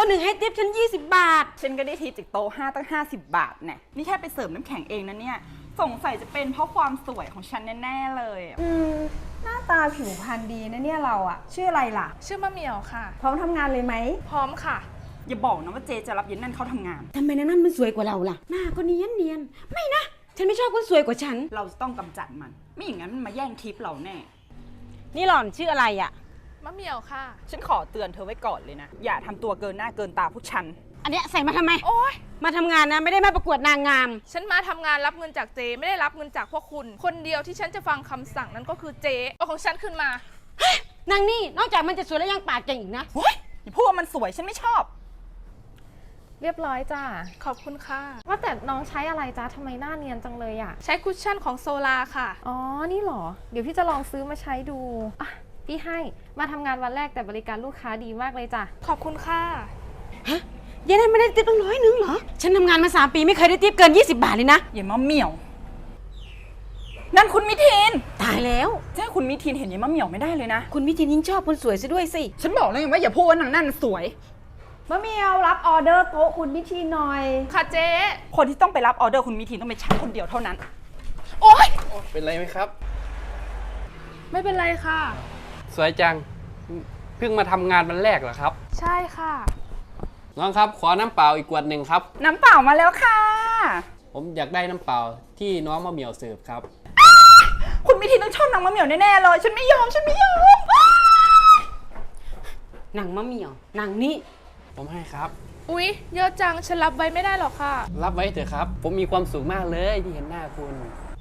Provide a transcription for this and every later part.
ตัวหนึ่งให้ทิปฉัน20 บาทฉันก็ได้ทิปจากโต๊ะ5ตั้ง50 บาทเนี่ยนี่แค่ไปเสริมน้ำแข็งเองนะเนี่ยสงสัยจะเป็นเพราะความสวยของฉันแน่ๆเลยหน้าตาผิวพรรณดีนะเนี่ยเราอะชื่ออะไรล่ะชื่อมะเหมี่ยวค่ะพร้อมทำงานเลยไหมพร้อมค่ะอย่าบอกนะว่าเจจะรับเย็นนั่นเข้าทำงานทำไมนางนั่นมันสวยกว่าเราล่ะหน้าก็เนียนไม่นะฉันไม่ชอบคนสวยกว่าฉันเราจะต้องกำจัดมันไม่อย่างนั้นมันมาแย่งทิปเราแน่นี่หล่อนชื่ออะไรอะมะเหมี่ยวค่ะฉันขอเตือนเธอไว้ก่อนเลยนะอย่าทำตัวเกินหน้าเกินตาผู้ชันอันเนี้ยใส่มาทำไมโอ๊ยมาทำงานนะไม่ได้มาประกวดนางงามฉันมาทำงานรับเงินจากเจไม่ได้รับเงินจากพวกคุณคนเดียวที่ฉันจะฟังคำสั่งนั้นก็คือเจเอาของฉันขึ้นมานางนี่นอกจากมันจะสวยแล้วยังปากเก่งอีกนะเฮ้ยอย่าพูดว่ามันสวยฉันไม่ชอบเรียบร้อยจ้าขอบคุณค่ะว่าแต่น้องใช้อะไรจ้าทำไมหน้าเนียนจังเลยอะใช้คุชชั่นของโซลาค่ะอ๋อนี่หรอเดี๋ยวพี่จะลองซื้อมาใช้ดูอ่ะพี่ให้มาทำงานวันแรกแต่บริการลูกค้าดีมากเลยจ้ะขอบคุณค่ะฮะยังได้ไม่ได้ทิปตั้ง100เหรอฉันทำงานมา3 ปีไม่เคยได้ทิปเกิน20 บาทเลยนะอย่ามะเหมี่ยวนั่นคุณมิทินตายแล้วใช่คุณมิทินเห็นยายมะเหมี่ยวไม่ได้เลยนะคุณมิทินยิ่งชอบคนสวยซะด้วยสิฉันบอกแล้วไงว่าอย่าพูดว่านางนั่นสวยมะเหมียวรับออเดอร์โต๊ะคุณมิทีหน่อยค่ะเจ๊คนที่ต้องไปรับออเดอร์คุณมิทินต้องเป็นฉันคนเดียวเท่านั้นโอ๊ยเป็นไรไหมครับไม่เป็นไรค่ะสวยจังเพิ่งมาทำงานวันแรกเหรอครับใช่ค่ะน้องครับขอน้ำเปล่าอีกขวดหนึ่งครับน้ำเปล่ามาแล้วค่ะผมอยากได้น้ำเปล่าที่น้องมะเหมี่ยวเสิร์ฟครับคุณมิทินต้องชอบนางมะเหมี่ยวแน่ๆเลยฉันไม่ยอมนางมะเหมี่ยวนางนี่ผมให้ครับอุ๊ยเยอะจังฉันรับไว้ไม่ได้หรอกค่ะรับไว้เถอะครับผมมีความสุขมากเลยที่เห็นหน้าคุณ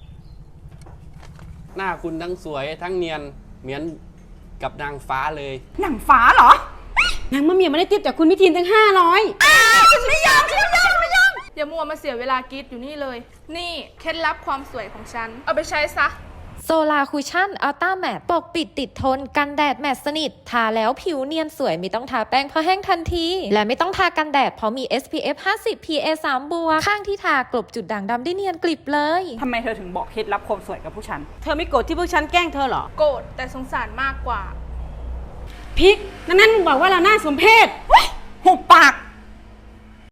หน้าคุณทั้งสวยทั้งเนียนเหมือนกับนางฟ้าเลยนางฟ้าเหรอนางมะเหมี่ยวไม่ได้ทิปจากคุณมิทินตั้ง500 ฉันไม่ยอมอย่ามัวมาเสียเวลากรีดอยู่นี่เลยนี่เคล็ดลับความสวยของฉันเอาไปใช้ซะโซลาคุชชั่นอัลต้าแมตปกปิดติดทนกันแดดแมตสนิททาแล้วผิวเนียนสวยไม่ต้องทาแป้งเพราะแห้งทันทีและไม่ต้องทากันแดดเพราะมี SPF 50 PA 3 บวกข้างที่ทากลบจุดด่างดำได้เนียนกลิบเลยทำไมเธอถึงบอกเคล็ดลับความสวยกับผู้ชันเธอไม่โกรธที่พวกฉันแกล้งเธอหรอโกรธแต่สงสารมากกว่าพิกนั่นบอกว่าเราหน้าสมเพศหุบปาก